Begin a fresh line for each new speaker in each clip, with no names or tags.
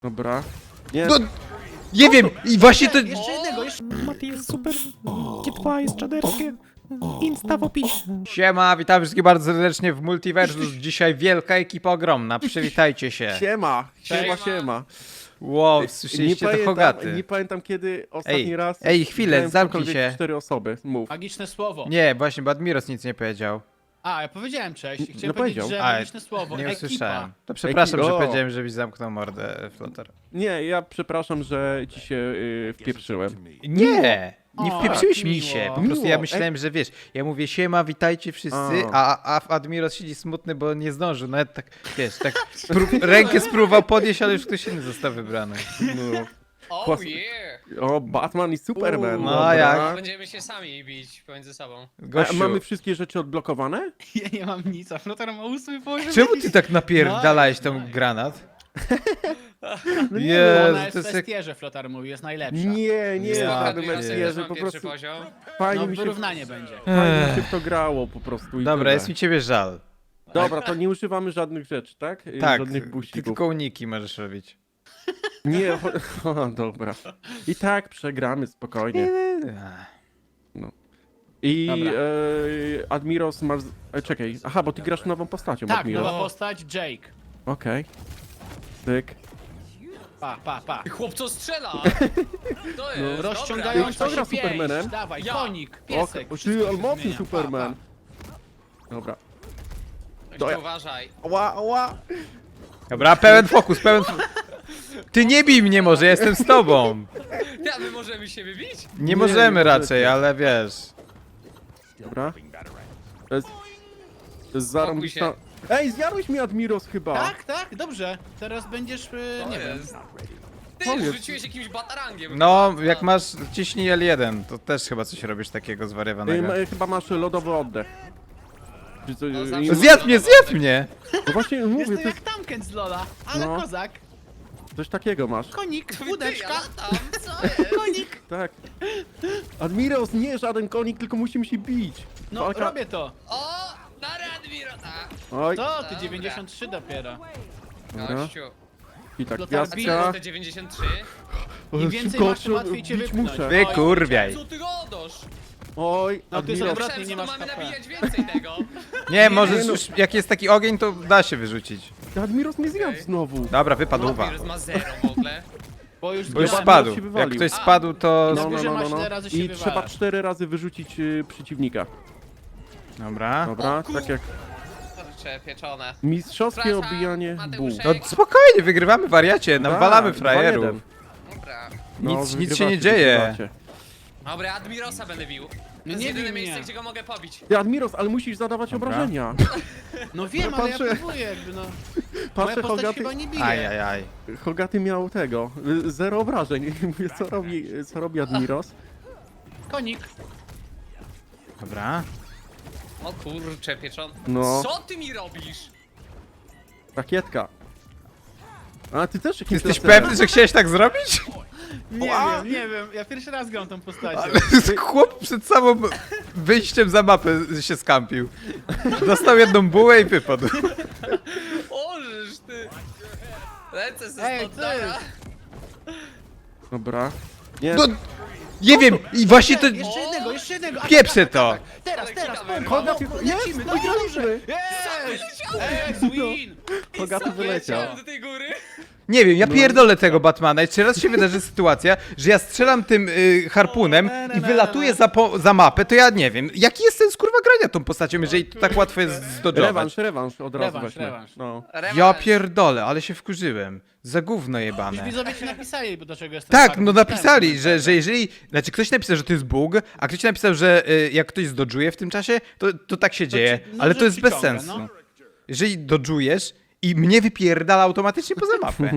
Dobra. Nie.
No, nie wiem, i właśnie to...
Jeszcze jednego, jeszcze...
Mati jest super, G2 jest czaderskie, Insta w opisie.
Siema, witam wszystkich bardzo serdecznie w Multiversus. Dzisiaj wielka ekipa ogromna, przywitajcie się.
Siema.
Cześć.
Siema.
Wow, słyszeliście to Hogaty.
Nie pamiętam kiedy ostatni raz...
Ej, chwilę,
grałem w
zamknij
cokolwiek
się.
4 osoby. Mów.
Magiczne słowo.
Nie, właśnie, bo Admiros nic nie powiedział.
A, ja powiedziałem cześć. Chciałem
No
powiedzieć,
powiedział.
że
A,
magiczne słowo.
Nie
Ekipa.
usłyszałem. To przepraszam,
Ekipa.
że powiedziałem, żebyś zamknął mordę, Flotar.
Nie, ja przepraszam, że ci się wpieprzyłem.
Nie! Nie
O,
wpieprzyłeś
tak,
mi
miło.
się. Po prostu ja
Miło.
myślałem, że wiesz, ja mówię siema, witajcie wszyscy, a Admiros siedzi smutny, bo nie zdążył. Nawet tak, wiesz, tak rękę spróbował podnieść, ale już ktoś inny został wybrany.
No.
Oh
Klas-
yeah!
O, Batman i Superman.
No,
dobra.
jak?
Będziemy się sami bić pomiędzy sobą.
A
Gościu,
mamy wszystkie rzeczy odblokowane?
Ja nie mam nic, a Flotar ma ósmy poziom.
czemu ty tak napierdalałeś tą granat?
No nie
Jezu,
Ona jest
to
w
jest jak...
Festierze, Flotar mówi, jest najlepsza.
Nie, nie,
Ja
żadnym
pierdolę.
STR-ze, po
pierwszy
prostu
poziom.
fajnie
No,
mi się,
wyrównanie będzie.
fajnie mi się w to grało po prostu i
Dobra,
tyle.
jest mi ciebie żal.
Dobra, to nie używamy żadnych rzeczy, tak?
Tak,
Żadnych
ty
buścików.
tylko uniki możesz robić.
Nie, o, dobra. I tak przegramy spokojnie. I
Dobra.
Admiros masz... czekaj, aha, bo ty grasz nową postacią,
Tak,
Admiros.
nowa postać, Jake.
Okej. Tyk.
Pa.
Ty chłopco strzela! To jest,
No.
Rozciągająca
Kto gra
się pięść.
Supermanem?
Dawaj,
Ja.
konik,
O,
piesek.
ty,
wszystko
ale
się
mocny
zmienia.
Superman. Dobra.
Dobra. Uważaj.
Ła.
Dobra, pełen fokus, Ty nie bij mnie może, ja jestem z tobą.
Ty, a my możemy się wybić?
Nie
Nie,
możemy
nie
raczej,
możecie.
ale wiesz.
Dobra. To jest zarąbista... Ej, zjadłeś mi Admiros chyba.
Tak, dobrze. Teraz będziesz,
To
nie wiem.
jest. Ty
Powiedz.
rzuciłeś jakimś batarangiem.
No,
chyba.
jak masz ciśnij L1, to też chyba coś robisz takiego zwariowanego.
Chyba masz lodowy oddech. Czy co,
No, zawsze
i-
mam
Zjadł mnie!
no właśnie mówię,
Jestem
to
jak
jest,
Tamken z Lola, ale
No.
kozak.
coś takiego masz.
Konik,
Ty,
łódeczka,
ja latam, co jest?
konik.
Tak. Admiros, nie żaden konik, tylko musimy się bić.
No,
Walka-
robię to.
O! Na Radmirota!
Oj,
To, ty
Dobra.
93 dopiero.
Dobra.
Gościu.
i tak,
No tak,
A co
gwiazdka.
te 93?
Im więcej
Szybko,
masz, tym łatwiej cię
bić
wypchnąć.
muszę.
Wy kurwiaj.
Co ty godasz?
Oj,
No, ty jest
Admiros.
odwrotnie,
Myślałem,
nie
że tu
masz
mamy
HP.
nabijać więcej tego.
Nie, możesz
no.
już, jak jest taki ogień, to da się wyrzucić.
Admiros mnie zjadł
Okej.
znowu.
Dobra, wypadł
Wirus ma 0 w ogóle.
Bo już,
Bo już
Admiros
spadł.
się
Jak
wywalił.
ktoś spadł, to...
Na górze masz ile razy się
I
wywalasz.
trzeba 4 razy wyrzucić przeciwnika.
Dobra.
Dobra,
O,
tak jak
Kurcze, pieczone.
mistrzowskie
Przepraszam,
obijanie
Mateuszek.
buł.
No spokojnie, wygrywamy wariacie, nawalamy frajerów.
2-1.
Dobra.
No,
Nic się nie
wygrywacie,
dzieje.
wygrywacie.
Dobra, Admirosa będę bił. To
No
jest
nie
jedyne
bij
miejsce,
mnie.
gdzie go mogę pobić.
Ty, Admiros, ale musisz zadawać
Dobra.
obrażenia.
No wiem,
No,
ale ja
patrzę-
próbuję jakby no. Moja
Patrzę,
postać
Hogaty,
chyba nie bije.
Ajajaj.
Hogaty miał tego, 0 obrażeń. Mówię, co robi Admiros?
Konik.
Dobra.
O kurcze, pieczone.
No.
Co ty mi robisz?
Rakietka. A ty też jakimś
Jesteś
laserem.
pewny, że chciałeś tak zrobić?
Nie wiem. Ja pierwszy raz gram tą postacią.
Chłop przed samym wyjściem za mapę się skampił. Dostał jedną bułę i wypadł.
Ożysz ty. Lecę ze
Ej,
stąd,
ty.
dobra.
Dobra. Nie,
No, nie wiem, i właśnie to...
Jeszcze jednego.
Pieprzę to!
Teraz,
Ale
teraz,
klikamy.
Hogaty,
lecimy,
jest, wygraliśmy!
Jest, win!
Hogaty wyleciał.
Leciałem do tej góry.
Nie wiem, ja pierdolę tego Batmana i czy raz się wydarzy sytuacja, że ja strzelam tym harpunem i wylatuję za mapę, to ja nie wiem, jaki jest sens kurwa grania tą postacią, jeżeli to tak łatwo jest zdodżować.
Rewanż od razu
Rewanż,
weźmy.
rewanż.
No.
Ja
Rewanż.
pierdolę, ale się wkurzyłem. Za gówno
Już
jebane.
widzowie ci napisali, bo dlaczego jestem
Tak,
farmą.
no napisali, że jeżeli... Znaczy ktoś napisał, że to jest bug, a ktoś napisał, że jak ktoś zdodżuje w tym czasie, to tak się dzieje,
no,
ale
że
to jest bez
przyciąga,
sensu.
no.
Jeżeli dodżujesz i mnie wypierdala automatycznie poza mapę.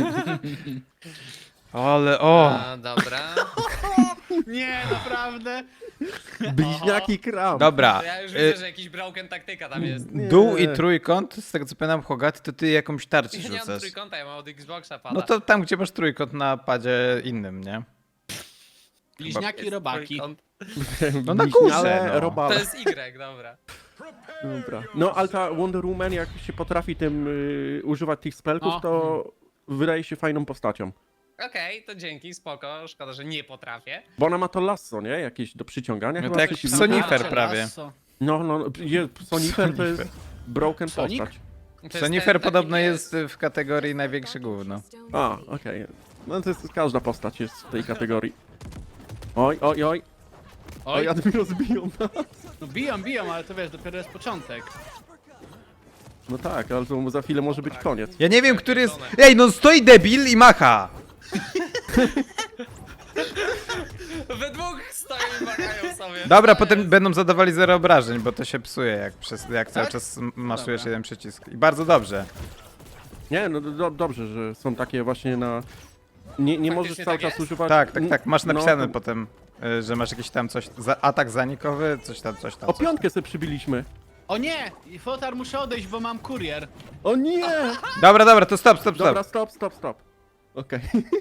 Ale o...
A, dobra.
Nie, naprawdę.
Bliźniaki kram.
Dobra.
To ja już widzę, że jakiś broken taktyka tam jest.
Dół i trójkąt, z tego co pamiętam Hogaty, to ty jakąś tarczę
Ja nie mam
rzucasz.
trójkąta, ja mam od Xboxa pada.
No to tam, gdzie masz trójkąt na padzie innym, nie?
Bliźniaki,
Jest
robaki.
trójkąt.
No na
Bliźniale,
górze, no.
robale.
To jest Y, dobra.
Dobra. No, ale ta Wonder Woman, jak się potrafi tym używać tych spelków,
No.
to wydaje się fajną postacią.
Okej, to dzięki, spoko. Szkoda, że nie potrafię.
Bo ona ma to lasso, nie? Jakieś do przyciągania
No
chyba.
to jak
coś
Sonifer
A,
prawie.
lasso.
No, Sonifer to jest broken
Sonic?
postać.
To jest
Sonifer
ten
podobno
taki
jest w kategorii największe gówno.
A, okej. No to jest, każda postać jest w tej kategorii. Oj, oj, oj. Oj,
Oj,
Admiros biją nas.
no biją, ale to wiesz, dopiero jest początek.
No tak, ale to za chwilę może być koniec.
Ja nie wiem, który jest... Ej, no stoi debil i macha!
We dwóch stoją i makają sobie.
Dobra,
To
potem
jest-
będą zadawali 0 obrażeń, bo to się psuje, jak cały
Tak?
czas maszujesz
Dobra.
jeden przycisk. I bardzo dobrze.
Nie, no dobrze, że są takie właśnie na... Nie możesz cały
tak
czas
jest?
używać...
Tak. Masz napisane
no,
potem, że masz jakiś tam coś... Atak zanikowy, coś tam.
O piątkę sobie przybiliśmy.
O nie! I Flotar, muszę odejść, bo mam kurier.
O nie!
Dobra, to stop.
Dobra, stop. Okej.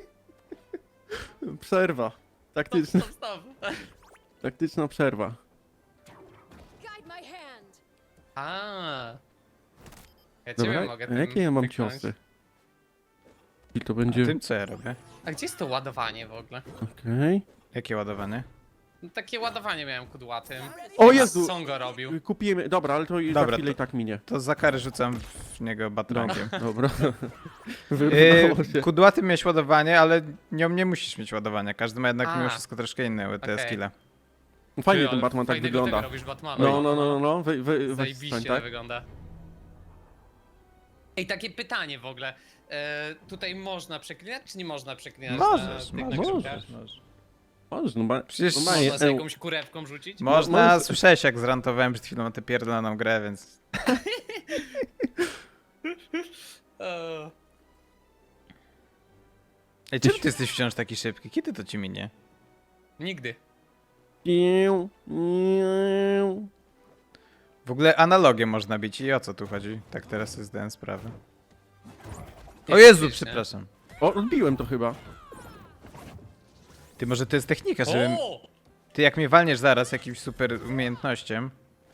Przerwa. Taktyczna,
Stop.
taktyczna przerwa.
Guide my hand.
A. Ja ciebie
Dobra,
mogę
a
tym
jakie ja mam
pyknąć.
ciosy? I to będzie...
Tym co ja robię?
A gdzie jest to ładowanie w ogóle?
Okej.
Jakie ładowanie?
No, takie ładowanie miałem kudłatym.
O Jezu!
Song go robił.
Kupiłem... Dobra, ale to i za
Dobra,
chwilę
to-
i tak minie.
To za karę rzucam w niego batrangiem.
Dobra. Wyrwało się.
Kudłaty miałeś ładowanie, ale nią nie musisz mieć ładowania. Każdy ma jednak
A.
mimo wszystko troszkę inne te
Okej.
skille.
Fajnie
Ty,
ten
ale
Batman tak
fajnego tego
wygląda.
robisz Batmana.
No. Weź
Zajebiście
stań, tak?
wygląda. Ej, takie pytanie w ogóle. Tutaj można przeklinać, czy nie można przeklinać?
Możesz,
na tych
możesz.
nagrywkach?
Możesz, no
Przecież
normalnie,
Można z jakąś kurewką rzucić?
Można,
może-
słyszałeś jak zrantowałem przed chwilą na tę pierdoloną grę, więc...
Eee,
Ej, czemu ty jesteś wciąż taki szybki? Kiedy to ci minie?
Nigdy.
Iu, iu.
W ogóle analogię można bić i o co tu chodzi? Tak teraz sobie zdałem sprawę. O Jezu,
Faktycznie.
przepraszam.
O, odbiłem to chyba.
Ty, może to jest technika, żebym...
O!
Ty jak mnie walniesz zaraz jakimś super umiejętnością...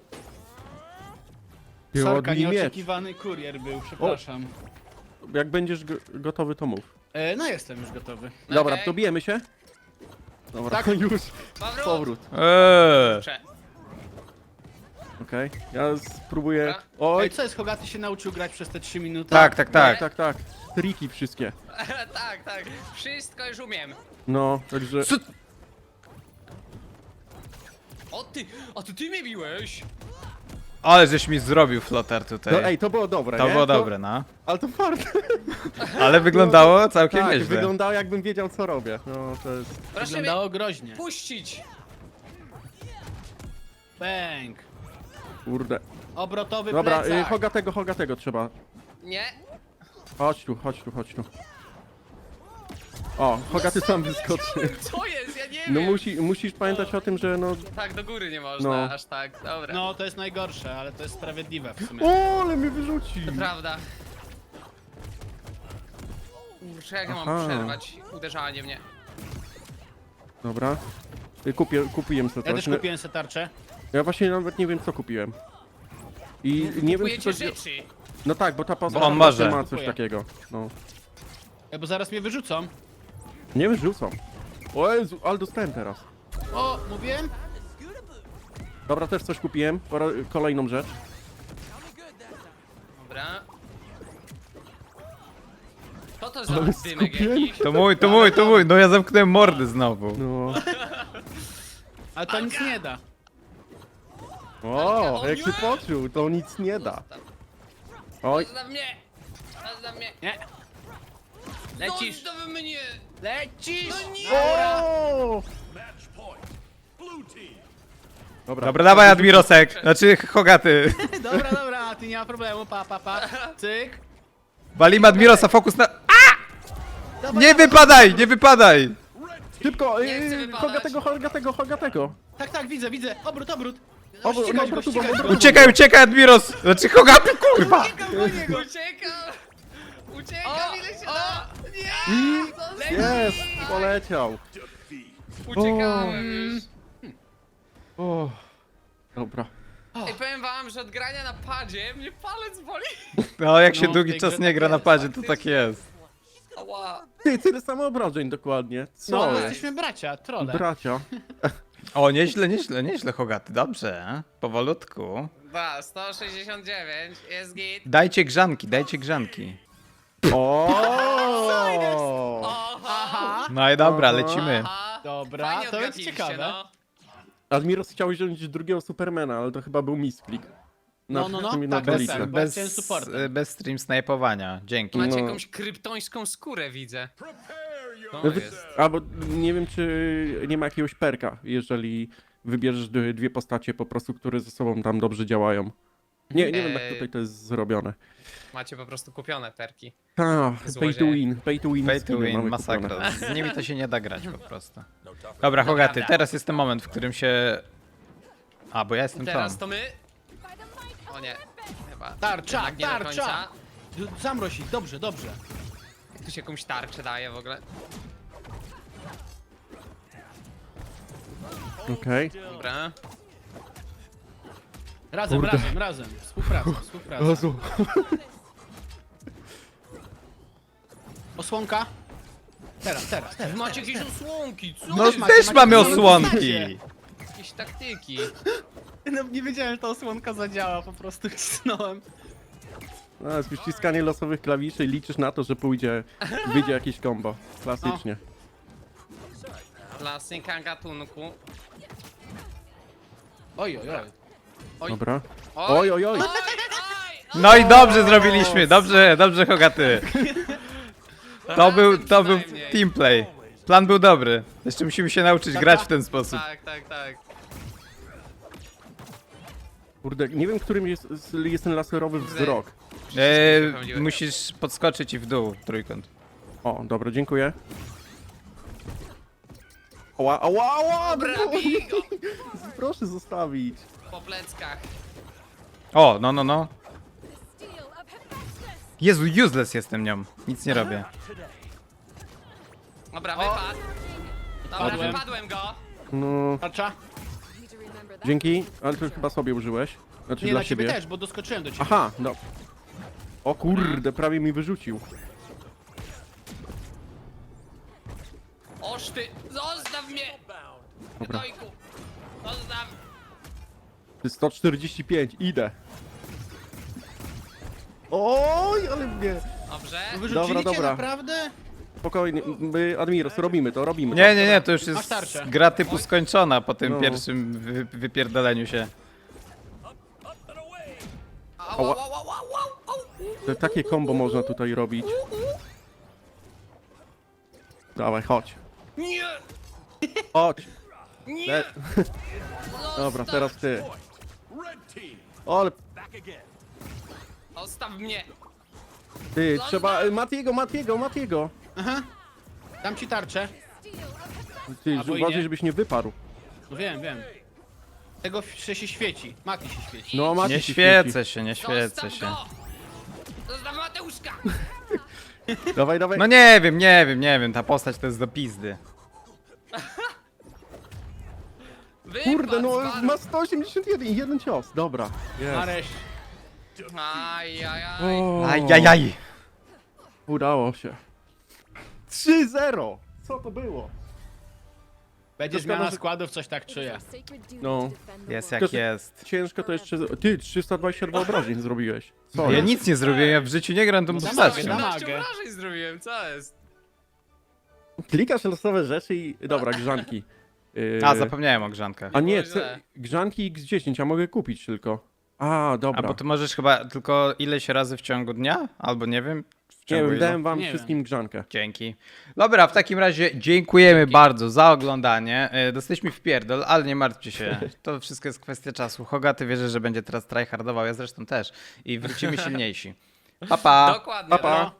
Ty,
Sorka,
odbij miecz.
nieoczekiwany kurier był, przepraszam.
Jak będziesz gotowy, to mów.
No jestem już gotowy.
Dobra,
Okej.
to bijemy się? Dobra,
Tak.
już.
Powrót!
Powrót.
Prze-
Okej, ja spróbuję...
Dobra.
Oj,
Ej, co jest, Hogaty się nauczył grać przez te 3 minuty?
tak. Triki wszystkie.
tak. Wszystko już umiem.
No, także...
Co?
O ty! A to ty mnie biłeś!
Ale żeś mi zrobił flotar tutaj.
No ej, to było dobre,
To
nie?
było dobre, no.
Ale to fart.
Ale wyglądało całkiem
Tak,
nieźle.
wyglądało jakbym wiedział, co robię. No, to jest...
Proszę mnie
Wyglądało groźnie.
puścić!
Bang.
Kurde.
Obrotowy
Dobra,
plecak.
Hogatego trzeba.
Nie?
Chodź tu. O, Hogaty sam wyskoczy.
Co jest? Ja nie
No
wiem.
musisz pamiętać o tym, że no...
Tak, do góry nie można,
No.
aż tak. Dobra.
No, to jest najgorsze, ale to jest sprawiedliwe w sumie.
O, ale mnie wyrzuci!
To prawda. Muszę jak ja
Aha.
mam przerwać uderzanie mnie.
Dobra. Kupiłem sobie
Ja
coś.
też kupiłem sobie tarczę.
Ja właśnie nawet nie wiem, co kupiłem. I nie wiem, czy
Kupujecie
to...
rzeczy.
No tak, bo ta postać
on może.
ma coś
Kupuję.
takiego. No.
Bo zaraz mnie wyrzucą.
Nie wyrzucą. O Jezu, ale dostałem teraz.
O, mówiłem?
Dobra, też coś kupiłem. Kolejną rzecz.
Dobra. Co to za
Ale
dymek
skupienie.
jakiś?
To mój, no ja zamknąłem mordy znowu.
No.
Ale to nic nie da.
O,
O
jak
nie!
się poczuł, to nic nie da. Oj,
Zostaw mnie! Zostaw mnie!
Nie. Lecisz.
Zostaw mnie!
Lecisz!
No nie!
o!
Dobra, dawaj Admirosek, znaczy Hogaty.
Dobra, ty nie ma problemu, pa. Cyk.
Walimy Admirosa, fokus na...
Dawaj,
Nie wypadaj!
Szybko,
Nie chcę wypadać.
Hogatego.
Tak, widzę. Obrót.
Ścigać go,
ścigać go.
Uciekaj Admiros! Znaczy Hogaty, kurwa!
Uciekam, ile się da! Nie!
I jest, poleciał.
Uciekałem już.
O, dobra.
Ej, powiem wam, że od grania na padzie mnie palec boli.
No jak się
No,
długi
tej
czas
grze
nie gra
tak
na
jest,
padzie, to tak jest.
Ała.
Ty, tyle samo obrażeń dokładnie. Co
No,
jest?
jesteśmy bracia, trole.
Bracia.
O, nieźle, Hogaty, dobrze. Powolutku.
Da, 169, jest git.
Dajcie grzanki.
O!
Oho!
No i dobra,
Aha.
lecimy.
Aha.
Dobra,
Fajnie
to jest
odgadliście,
ciekawe.
no.
Admiros chciał wziąć drugiego Supermana, ale to chyba był misklik.
No,
na
tak,
dolicy.
tak. Bo ja chciałem supportem.
Bez stream snajpowania, dzięki.
Macie
No.
jakąś kryptońską skórę, widzę. To
No,
jest.
albo nie wiem, czy nie ma jakiegoś perka, jeżeli wybierzesz dwie postacie po prostu, które ze sobą tam dobrze działają. Nie wiem, jak tutaj to jest zrobione.
Macie po prostu kupione perki.
Pay to
Złodzieje.
win, pay to win.
Pay to
skiny
win,
mamy
masakra.
kupione.
Z nimi to się nie da grać po prostu. Dobra, Hogaty,
prawda.
teraz jest ten moment, w którym się... A, bo ja jestem
Teraz
tam.
to my.
By the might of
O nie.
Olympus.
Chyba.
Tarcza,
jednak nie do
tarcza.
końca.
Zamroź ich, dobrze, dobrze.
Jak tu się jakąś tarczę daje w ogóle?
Okej.
Dobra.
Razem,
Kurde.
razem. Współpraca.
Jezu.
Osłonka. Teraz.
Wy macie jakieś osłonki, co?
No
jest?
też mamy
macie-
osłonki!
Jakieś taktyki.
No, nie wiedziałem, że ta osłonka zadziała, po prostu wcisnąłem.
No, jest ściskanie losowych klawiszy i liczysz na to, że wyjdzie jakieś combo. Klasycznie.
Klasyka gatunku.
Oj.
Oj.
Dobra.
Oj,
Oj.
No i dobrze zrobiliśmy, dobrze Hogaty. To był teamplay. Plan był dobry. Jeszcze musimy się nauczyć grać w ten sposób.
Tak.
Kurde, nie wiem, którym jest ten laserowy wzrok.
Musisz podskoczyć i w dół, trójkąt.
O, dobra, dziękuję. Ała!
Dobra, bij go
Proszę zostawić.
po pleckach.
O, no.
The steel of Hephaestus.
Jezu, useless jestem nią. Nic nie robię.
Dobra, wypadł. Dobra,
Padłem.
wypadłem go.
No,
Tarcza?
Need to remember that.
dzięki, ale to chyba sobie użyłeś. Znaczy
Nie,
dla
na ciebie
siebie.
też, bo doskoczyłem do ciebie.
Aha, no. O kurde, prawie mi wyrzucił.
Oż ty, zostaw mnie!
Dobra.
Dojku. Zostaw.
145, idę. Oj, ale mnie.
Dobrze.
No wyrzucili cię
Dobra.
naprawdę?
Spokojnie, my, Admiros, robimy to.
Nie, to już
Masz
jest
tarczę.
gra typu skończona po tym
No.
pierwszym wypierdoleniu się.
Au.
Takie combo można tutaj robić. Dawaj, chodź.
Nie!
Chodź.
Nie!
Dobra, teraz ty. O, ale
Zostaw mnie!
ty, trzeba... Matiego.
Aha. Dam ci tarczę.
Steel of Hephaestus.
Ty,
Albo i
uważaj,
nie.
żebyś nie wyparł.
No wiem. Tego się świeci. Mati się świeci.
No, Mati
Nie
się
świecę się.
Zostaw go! Zostaw Mateuszka!
świeci. Dawaj.
No nie wiem, ta postać to jest do pizdy.
Kurde, no
Wypadł,
ma 181 i jeden cios. Dobra. Jest.
Nareszcie.
Ajajaj.
O,
Ajajaj.
udało się. 3-0. Co to było?
Będzie
To szkoda,
zmiana
że-
składów, coś tak
It is
czuję.
our sacred duty
No.
to defend the
Jest
world.
jak
To-
jest.
Ciężko to jeszcze... Ty, 322 obrażeń zrobiłeś.
Ja
Sorry.
nic nie zrobiłem, ja w życiu nie gram tą
No
postacią.
dawaj, dawaj.
18 obrażeń zrobiłem, co jest?
Klikasz losowe rzeczy i... Dobra, grzanki.
A, zapomniałem o grzankach.
A nie,
było źle.
grzanki X10, a mogę kupić tylko. A, dobra.
A bo ty możesz chyba tylko ileś razy w ciągu dnia? Albo nie wiem. W
Nie
ciągu
wiem,
ilu?
dałem wam
Nie
wszystkim grzankę.
Dzięki. Dobra, w takim razie dziękujemy bardzo za oglądanie. Dostaliśmy w pierdol, ale nie martwcie się. To wszystko jest kwestia czasu. Hogaty wierzę, że będzie teraz tryhardował, ja zresztą też. I wrócimy silniejsi. Pa, pa.
Dokładnie.
Pa, pa.
no.